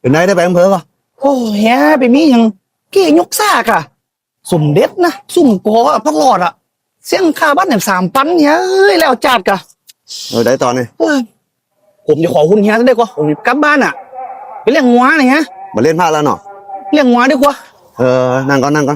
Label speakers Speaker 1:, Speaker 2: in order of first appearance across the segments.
Speaker 1: เป็นไงได้ไปอำเภอก็
Speaker 2: โอ้เฮียไปมีอย่างเกี้ยกซากอะสมเด็จนะสุ่มกออะพักหลอดอะเสี่ยงค่าบ้านเนี่ย3,000เฮียเอ้ยแล้วจัดกะ
Speaker 1: ได้ตอนนี้
Speaker 2: เอ้ยผมจะขอคุณเฮียได้กว่าผมกลับบ้านอะไปเลี้ยงงัวหน่อยฮะ
Speaker 1: มาเล่นพลาดแล้วเนาะ
Speaker 2: เลี้ยงงัวดีกว่า
Speaker 1: นั่งก่อนนั่งก่อน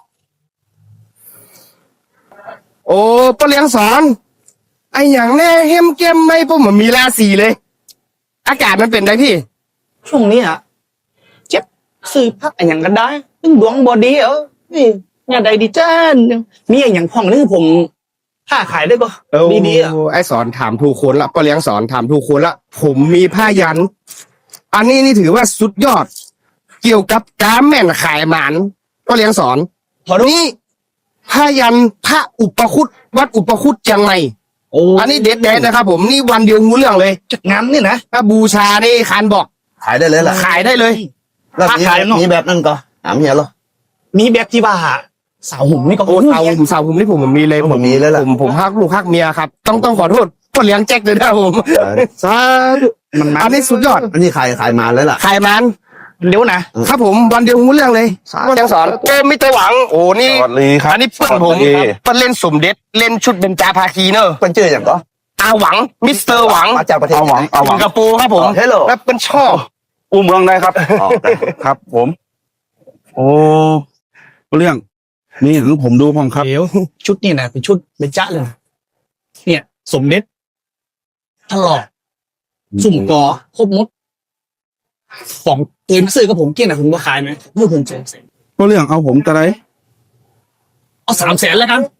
Speaker 3: โอ้ปะเลี้ยงสอนไออย่างแน่เฮมเกมไม่ผมมันมีราศีเลย อากาศมันเป็นไงพี่
Speaker 2: ช่วงนี้อะเจ็บซื้อพักอะไรอย่างกันได้ตึงดวงบอดีนี่อย่าใดดีจ้านมีอย่างพ่องนี่ผมค้าขายได้ก็ดีๆอะ
Speaker 3: ไอสอนถามถูกคนละปะเลี้ยงสอนถามถูกคนละผมมีผ้ายัน อันนี้นี่ถือว่าสุดยอด เกี่ยวกับการแม่นขายหมานปะเลี้ยงสอน
Speaker 2: ขอดู
Speaker 3: นี่ผ้ายันพระอุปคุตวัดอุปคุตเชียงใหม่
Speaker 2: โอ้
Speaker 3: อันนี้เด็ดๆนะครับ ผมนี่วันเดียวรู้เรื่องเลย
Speaker 2: จัดงานนี่นะ
Speaker 3: ถ้าบูชานี่คานบอก
Speaker 1: ขายได้เลยล่ะ
Speaker 3: ขายได้เลย
Speaker 1: แล้ว
Speaker 2: ขายเนอะ
Speaker 1: มีแบบนั้นก็ถามเฮียเหรอ
Speaker 2: มีแบบที่ว่าสาวหุ่มนี่ก็
Speaker 3: โอ้สาวผมนี่ผมมีเลย
Speaker 1: ผมมีเลยล่ะ
Speaker 3: ผมฮักลูกฮักเมียครับ ต้องขอโทษพ่อเลี้ยงแจ็คเลยนะผมสาธุ
Speaker 2: มันมา
Speaker 3: อันนี้สุดยอด
Speaker 1: อันนี้ขายมาเลยล่ะ
Speaker 3: ขายมัน
Speaker 2: เดี๋ยวนะครับ
Speaker 3: ผมวันเดียวรู้เรื่องเลย
Speaker 1: สาธุ
Speaker 3: พ่อเลี้ยงสอนเกมไม่ไต้หวังโอ้นี่
Speaker 1: สวัสดีครับ
Speaker 3: อันนี้เปิ้ลผม
Speaker 1: สวัสดี
Speaker 3: เปิ้ลเล่นสมเด็จเล่นชุดเบญจาภาคีเนอะ
Speaker 1: เป็นชื่ออย่างก็
Speaker 3: อาหวังมิสเตอร์หวัง
Speaker 1: มาจากประเทศ
Speaker 4: เอาหวัง
Speaker 1: ไหน
Speaker 4: เอาหวั
Speaker 3: สิ
Speaker 4: ง
Speaker 3: งคโปร์ครับผม
Speaker 1: เฮลโล
Speaker 3: แล้วเป็นชอบ
Speaker 4: อู้เมืองได้ครับ
Speaker 1: อ๋อได้
Speaker 4: ครับ ผม โอ้เรื่องนี่หรือผมดูผมครับ
Speaker 2: เดี๋ยวชุดนี่นะเป็นชุดเบญจเลยนะเนี่ย สมเด็จตลอดสุ่มกอครบหมดของเต็มซื้อกับผมเกี้ยงนะคุณก็ขายไหมเมื่อผม300,000
Speaker 4: ก็เรื่องเอาผมจะไร
Speaker 2: เอา300,000แล้วกัน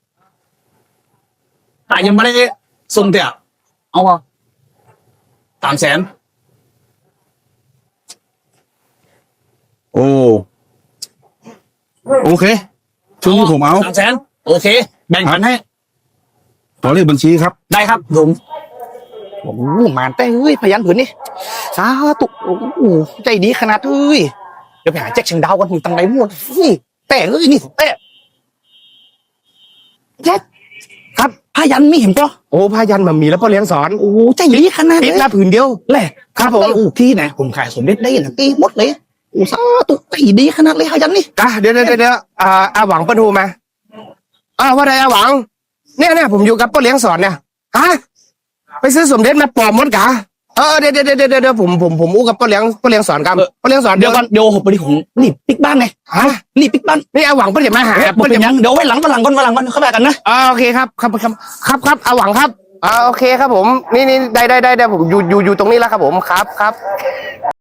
Speaker 2: แต่ยังไม่ได้ส่งเตี่ยเอาอ่ะ300,000
Speaker 4: โอ้โอเคช่วงนี้ผมเอา
Speaker 2: 300,000โอเค แบ่งกันให้
Speaker 4: ขอเลขบัญชีครับ
Speaker 2: ได้ครับผมโอ้โหมาแต่เฮ้ยพยันผืนนี่สาธุโอ้โหใจดีขนาดเฮ้ยเดี๋ยวไปหาแจ็คเชียงดาวกันอยู่ตังไหนหมดเฮ้ยแต่เฮ้ยนี่แต่แจ็คครับพยันไม่เห็นก็
Speaker 3: โอ้ผ้ายันมันมีแล้วพ่อเลี้ยงสอน
Speaker 2: โอ้โหใจดีขนาด
Speaker 3: ติด
Speaker 2: เลย
Speaker 3: หน้าผืนเดียว
Speaker 2: แหละครับผมโอ้ที่ไหนผมขายสมเด็จได้นะตีหมดเลยโอ้สาธุใจดีขนาดเลยพยันนี่
Speaker 3: เดี๋ยวอาหวังประทูมาว่าไรอาหวัง เนี่ยผมอยู่กับพ่อเลี้ยงสอนเนี่ยฮะไปซื้อสมเด็จมาปลอมมดกะเดี๋ยวผมอู้กับพ่อเลี้ยงสอนกันพ่อเลี้ยงสอน
Speaker 2: เดี๋ยวก่อนเดี๋ยวผมไปที่ของนี่ปิกบ้านไง
Speaker 3: ฮะ
Speaker 2: นี่ปิกบ้าน
Speaker 3: นี่อาหวังเพิ่นจะมาหา
Speaker 2: ผมเป็นยังเดี๋ยวไว้หลังวันหลังก่อนเข้าไปกันนะ
Speaker 3: โอเคครับอาหวังครับโอเคครับผมนี่ได้ผมอยู่ตรงนี้แล้วครับผมครับ